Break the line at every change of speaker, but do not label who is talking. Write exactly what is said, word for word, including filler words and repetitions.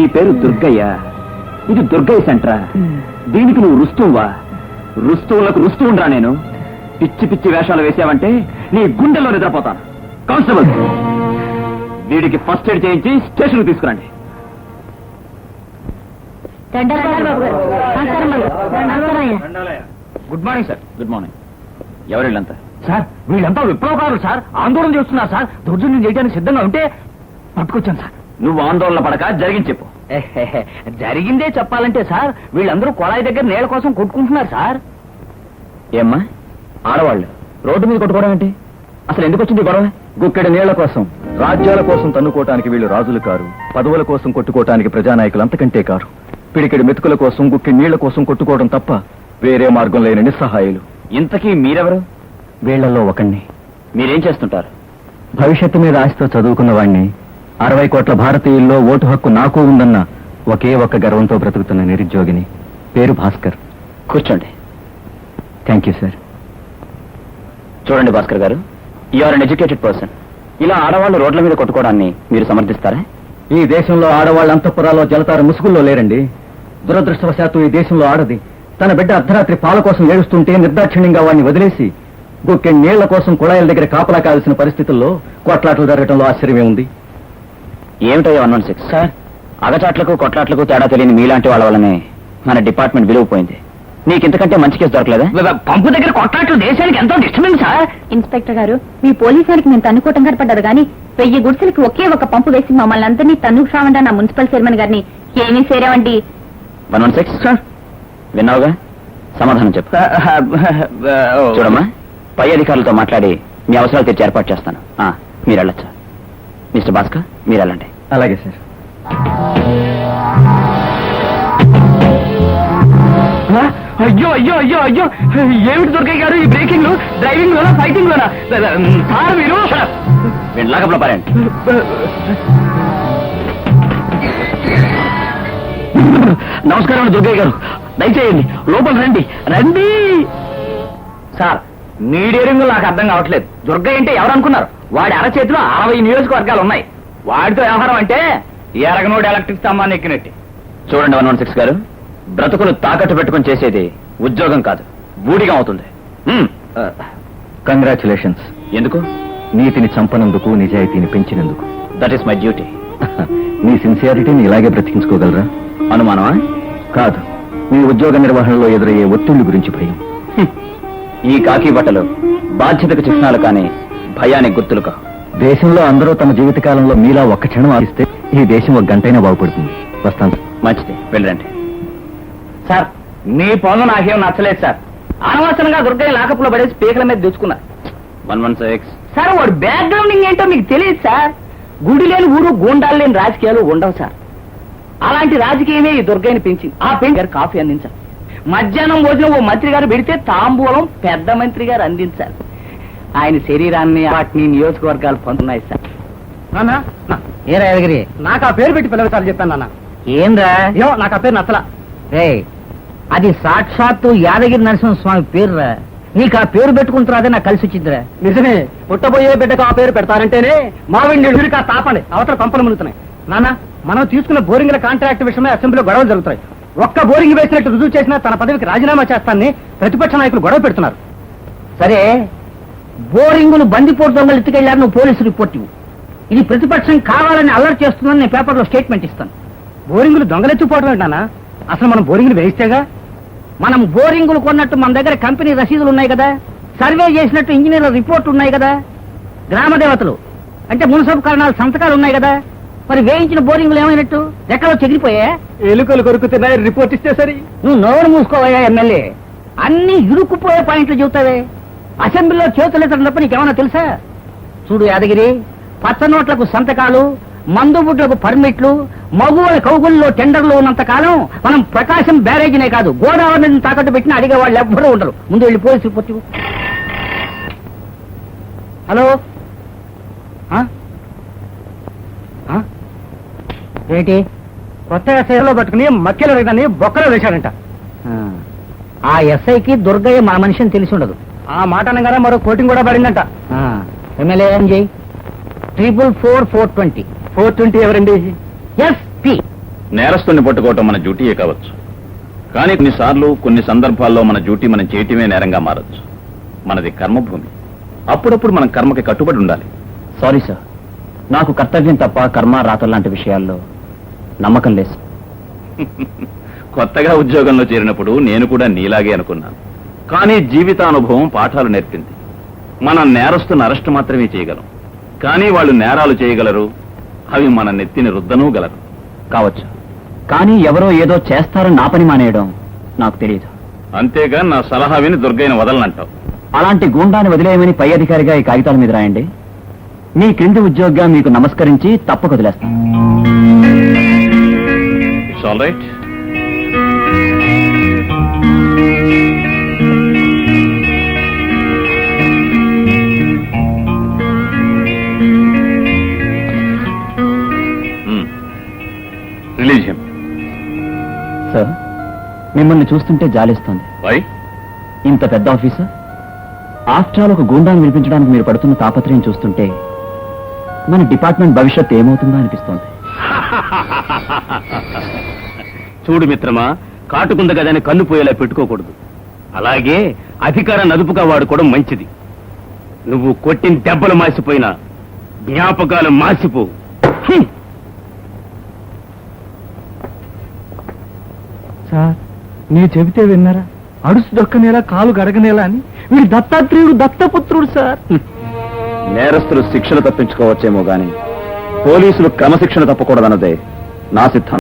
పేరు దుర్గయ్య, ఇది దుర్గయ్య సెంటరా? దీనికి నువ్వు రుస్తువా? రుస్తువులకు రుస్తూ ఉండరా నేను? పిచ్చి పిచ్చి వేషాలు వేసావంటే నీ గుండెల్లో నిద్రపోతాను. కానిస్టేబుల్, వీడికి ఫస్ట్ ఎయిడ్ చేయించి స్టేషన్కి తీసుకురండి. Good morning sir. Good morning. ఎవరు వీళ్ళంతా?
సార్ వీళ్ళంతా విప్లవకారులు సార్, ఆందోళన చేస్తున్నారు సార్. దౌర్జన్యం చేయడానికి సిద్ధంగా ఉంటే పట్టుకొచ్చాను సార్.
నువ్వు ఆందోళన పడక జరిగింది చెప్పు.
జరిగిందే చెప్పాలంటే సార్, వీళ్ళందరూ కొళాయి దగ్గర నీళ్ల కోసం కొట్టుకుంటున్నారు సార్.
ఏమ్మా, ఆడవాళ్ళు రోడ్డు మీద కొట్టుకోవడం ఏంటి? అసలు ఎందుకు వచ్చింది గొడవ?
గుక్కెడి నీళ్ల కోసం, రాజ్యాల కోసం తన్నుకోవటానికి వీళ్ళు రాజులు కారు, పదవుల కోసం కొట్టుకోవటానికి ప్రజానాయకులు అంతకంటే కారు. పిడికెడి మెతుకుల కోసం, గుక్కెడి నీళ్ల కోసం కొట్టుకోవడం తప్ప వేరే మార్గం లేని నిస్సహాయులు.
ఇంతకీ మీరెవరు?
వీళ్లలో ఒకణ్ణి.
మీరేం చేస్తుంటారు?
భవిష్యత్తు మీద ఆశతో చదువుకున్న వాణ్ణి, అరవై కోట్ల భారతీయుల్లో ఓటు హక్కు నాకు ఉందన్న ఒకే ఒక్క గర్వంతో బ్రతుకుతున్న నిరుద్యోగిని. పేరు భాస్కర్.
కూర్చోండి.
Thank you sir.
చూడండి Bhaskar garu, you are uneducated person. ఇలా ఆడవాళ్ళు రోడ్ల మీద కొట్టుకోవడాన్ని మీరు సమర్థిస్తారా?
ఈ దేశంలో ఆడవాళ్ళ అంతఃపురాల్లో జలతార ముసుగుల్లో లేరండి. దురదృష్టవశాత్తు ఈ దేశంలో ఆడది తన బిడ్డ అర్ధరాత్రి పాల కోసం ఏడుస్తుంటే నిర్దాక్షిణ్యంగా వాడిని వదిలేసి గుక్కెడి నీళ్ల కోసం కుళాయిల దగ్గర కాపలా కాల్సిన పరిస్థితుల్లో కొట్లాటలు జరగడంలో ఆశ్చర్యమే ఉంది.
ఏమిటయ్యా వన్ వన్ సిక్స్ సార్? అగచాట్లకు కొట్లాట్లకు తేడా తెలియని మీలాంటి వాళ్ళ వల్లనే మన డిపార్ట్మెంట్ విలువ పోయింది. నీకు ఇంతకంటే మంచి కేసు దొరకలేదా?
పంపు దగ్గర కొట్లాట్లు దేశానికి ఎంతో డిస్టర్బెన్స్ సార్.
ఇన్స్పెక్టర్ గారు, మీ పోలీసులకి మేము తన్నుకోవటం కనపడ్డారు కానీ వెయ్యి గుడిసెలకి ఒకే ఒక పంపు వేసి మమ్మల్ని అందరినీ తన్నుకు రావండి నా మున్సిపల్ చైర్మన్ గారిని ఏమీ సేరావండి.
వన్ వన్ సిక్స్ సార్, విన్నావుగా? సమాధానం చెప్పు. చూడమ్మా, పై అధికారులతో మాట్లాడి మీ అవసరాలు తెచ్చి ఏర్పాటు చేస్తాను. మీరు వెళ్ళొచ్చా? మిస్టర్ భాస్కర్, మీరు వెళ్ళండి.
అలాగే సార్.
అయ్యో అయ్యో అయ్యో అయ్యో, ఏమిటి దుర్గయ్య గారు ఈ బ్రేకింగ్ లో, డ్రైవింగ్ లోనా, ఫైటింగ్ లోనా? సార్ మీరు
వీళ్ళు లాకప్లో పారండి.
నమస్కారం దుర్గయ్య గారు, దయచేయండి లోపల రండి రండి. సార్ మీ డేరింగ్ నాకు అర్థం కావట్లేదు. దుర్గయ్య అంటే ఎవరు అనుకున్నారు? వాడి అరచేతిలో అరవై నియోజకవర్గాలు ఉన్నాయి. వాడితో వ్యవహారం అంటే ఎరగనోడు ఎలక్ట్రిక్ స్తంభాన్ని ఎక్కినట్టు.
చూడండి వన్ వన్ సిక్స్ గారు, బ్రతుకులు తాకట్టు పెట్టుకుని చేసేది ఉద్యోగం కాదు, బూడిగా అవుతుంది.
కంగ్రాచులేషన్స్.
ఎందుకు?
నీతిని చంపనందుకు, నిజాయితీని పెంచినందుకు.
That is my duty.
నీ సిన్సియారిటీని ఇలాగే బ్రతికించుకోగలరా?
అనుమానమా?
కాదు, మీ ఉద్యోగ నిర్వహణలో ఎదురయ్యే ఒత్తిళ్ల గురించి భయం.
ఈ కాకి బట్టలు బాధ్యతకు చిహ్నాలు కానీ భయానికి గుర్తులు కా.
దేశంలో అందరూ తమ జీవితకాలంలో మీలా ఒక్క క్షణం ఆగిస్తే ఈ దేశం ఒక గంటైనా బాగుపడుతుంది. వస్తాను.
మంచిది, వెళ్ళండి.
సార్ మీ పనులు నాకేం నచ్చలేదు సార్. అనవసరంగా దుర్గయ్య లాకప్లో పడేసి పీకల మీద తెచ్చుకున్నారు.
వన్ వన్ సిక్స్
సార్ వాడు బ్యాక్గ్రౌండింగ్ ఏంటో మీకు తెలియదు సార్. గుడి లేని ఊరు, గూండాలు లేని రాజకీయాలు ఉండవు సార్. అలాంటి రాజకీయమే ఈ దుర్గయ్యని పెంచింది. ఆ పెంచి గారు కాఫీ అందించాలి. మధ్యాహ్నం భోజనం ఓ మంత్రి గారు పెడితే తాంబూలం పెద్ద మంత్రి గారు అందించాలి. ఆయన శరీరాన్ని వాటిని నియోజకవర్గాలు పొందుతున్నాయి సార్.
ఏ రాయగిరి, నాకు ఆ పేరు పెట్టి పిలవసారి చెప్పాను నాన్న.
ఏంద్రా?
ఏమో నాకు ఆ పేరు నచ్చలా.
రే, అది సాక్షాత్తు యాదగిరి నరసింహస్వామి పేరురా. నీకు ఆ పేరు పెట్టుకుంటున్నాదే నాకు కలిసి వచ్చిందిరా.
నిజమే, పుట్టబోయే బిడ్డకు ఆ పేరు పెడతారంటేనే మావిడి కా తాపండి అవతల పంపలు మునుగుతున్నాయి. నాన్న, మనం తీసుకున్న బోరింగ్ల కాంట్రాక్ట్ విషయమే అసెంబ్లీలో గొడవలు జరుగుతాయి. ఒక్క బోరింగ్ వేసినట్టు రుజువు చేసినా తన పదవికి రాజీనామా చేస్తానని ప్రతిపక్ష నాయకులు గొడవ పెడుతున్నారు.
సరే, బోరింగులు బందిపోటు దొంగలు ఎత్తుకెళ్లారు, నువ్వు పోలీసు రిపోర్ట్ ఇవ్వు. ఇది ప్రతిపక్షం కావాలని అలర్ట్ చేస్తుందని నేను పేపర్లో స్టేట్మెంట్ ఇస్తాను.
బోరింగులు దొంగలెత్తిపోవడం ఏంటన్నా? అసలు మనం బోరింగ్లు వేయిస్తేగా.
మనం బోరింగులు కొన్నట్టు మన దగ్గర కంపెనీ రసీదులు ఉన్నాయి కదా, సర్వే చేసినట్టు ఇంజనీర్ల రిపోర్ట్ ఉన్నాయి కదా, గ్రామ దేవతలు అంటే మున్సిపల్ కారణాలు సంతకాలు ఉన్నాయి కదా. మరి వేయించిన బోరింగులు ఏమైనట్టు? ఎక్కడో చెదిరిపోయా?
ఎలుకలు కొరుకుతున్నాయి, రిపోర్ట్ ఇస్తే సరి.
నువ్వు నోరు మూసుకోవయ్యా ఎమ్మెల్యే. అన్ని ఇరుక్కుపోయే పాయింట్లు చెబుతావే. అసెంబ్లీలో చేతులెత్తడం తప్ప నీకేమన్నా తెలుసా? చూడు యాదగిరి, పచ్చ నోట్లకు సంతకాలు, మందు బుడ్లకు పర్మిట్లు, మగువుల కౌగుల్లో టెండర్లు ఉన్నంత కాలం మనం ప్రకాశం బ్యారేజీనే కాదు గోదావరిని తాకట్టు పెట్టిన అడిగే వాళ్ళు ఎవ్వరూ ఉండరు. ముందు వెళ్ళి పోలీసు రిపోర్ట్ ఇవ్వు.
హలో,
ఏంటి?
కొత్తగా సేవలో పట్టుకుని మక్కెలు రైతాన్ని బొక్కలో వేశాడంట.
ఆ ఎస్ఐకి దుర్గయ్య మా మనిషిని తెలిసి ఉండదు.
ఆ మాట అనగానే మరో కోటింగ్ కూడా పడిందంట.
ఎమ్మెల్యే ఏం చేయి? Triple four four twenty
four twenty ఎవరండి?
ఎస్పీ
నేరస్తుని పట్టుకోవటం మన డ్యూటీయే కావచ్చు, కానీ కొన్నిసార్లు కొన్ని సందర్భాల్లో మన డ్యూటీ మనం చేయటమే నేరంగా మారచ్చు. మనది కర్మభూమి. అప్పుడప్పుడు మనం కర్మకి కట్టుబడి ఉండాలి.
సారీ సార్, నాకు కర్తవ్యం తప్ప కర్మ రాత లాంటి విషయాల్లో నమ్మకం లేదు.
కొత్తగా ఉద్యోగంలో చేరినప్పుడు నేను కూడా నీలాగే అనుకున్నాను. కానీ జీవితానుభవం పాఠాలు నేర్పింది. మనం నేరస్తున్న అరెస్ట్ మాత్రమే చేయగలం, కానీ వాళ్ళు నేరాలు చేయగలరు. అవి మన నెత్తిని రుద్దనూ గలరు.
కావచ్చు, కానీ ఎవరో ఏదో చేస్తారని నా పని మానేయడం నాకు తెలియదు.
అంతేగా నా సలహా విని దుర్గయ్యను వదలనంటావు.
అలాంటి గూండాన్ని వదిలేయమని పై అధికారిగా ఈ కాగితాల మీద రాయండి. మీ క్రింది ఉద్యోగిగా మీకు నమస్కరించి తప్పక వదిలేస్తాను.
It's all right. Release him.
Sir, మిమ్మల్ని చూస్తుంటే జాలిస్తోంది.
వై?
ఇంత పెద్ద ఆఫీసర్, ఆఫ్టర్ ఆల్ ఒక గూండాన్ని వినిపించడానికి మీరు పడుతున్న తాపత్రయం చూస్తుంటే మన డిపార్ట్మెంట్ భవిష్యత్ ఏమవుతుందో అనిపిస్తోంది.
చూడు మిత్రమా, కాటుకుంద గదని కన్ను పోయేలా పెట్టుకోకూడదు. అలాగే అధికారాన్ని అదుపుగా వాడుకోవడం మంచిది. నువ్వు కొట్టిన దెబ్బలు మాసిపోయినా జ్ఞాపకాలు మాసిపో. హ్మ్.
సార్, నేను చెబితే విన్నారా? అడుసు దొక్కనేలా కాలు గడగనేలా అని వీడు దత్తాత్రేయుడు దత్తపుత్రుడు సార్.
నేరస్తులు శిక్షలు తప్పించుకోవచ్చేమో గాని పోలీసులు క్రమశిక్షణ తప్పకూడదన్నదే నా సిద్ధాంతం.